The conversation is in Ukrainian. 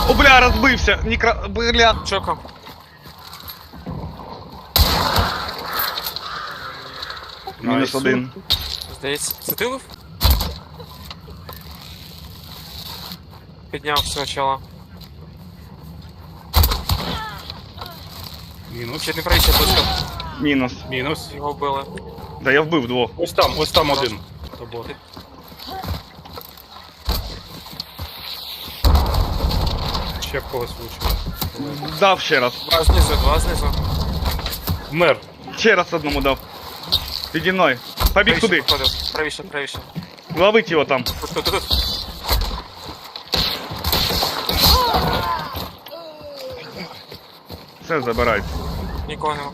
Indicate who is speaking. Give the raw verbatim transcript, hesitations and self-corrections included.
Speaker 1: О, бля, розбився! Нікра... Бля.
Speaker 2: Чока.
Speaker 1: Мінус один.
Speaker 2: Здається, це ти лив? Підняв спочатку.
Speaker 3: Мінус.
Speaker 2: Ще не правіше близько.
Speaker 1: Мінус.
Speaker 3: Мінус.
Speaker 2: Його вбили.
Speaker 1: Да я вбив двох.
Speaker 3: Ось там, ось там один. Тобо. Ще в когось влучило.
Speaker 1: Дав ще раз.
Speaker 2: Два знизу, два знизу.
Speaker 3: Вмер.
Speaker 1: Ще раз одному дав. Піді мною. Побіг туди.
Speaker 2: Походив. Правіше, правіше.
Speaker 1: Ловить його там.
Speaker 2: Тут, тут, тут.
Speaker 1: Все, забирайте.
Speaker 2: Нікого нема.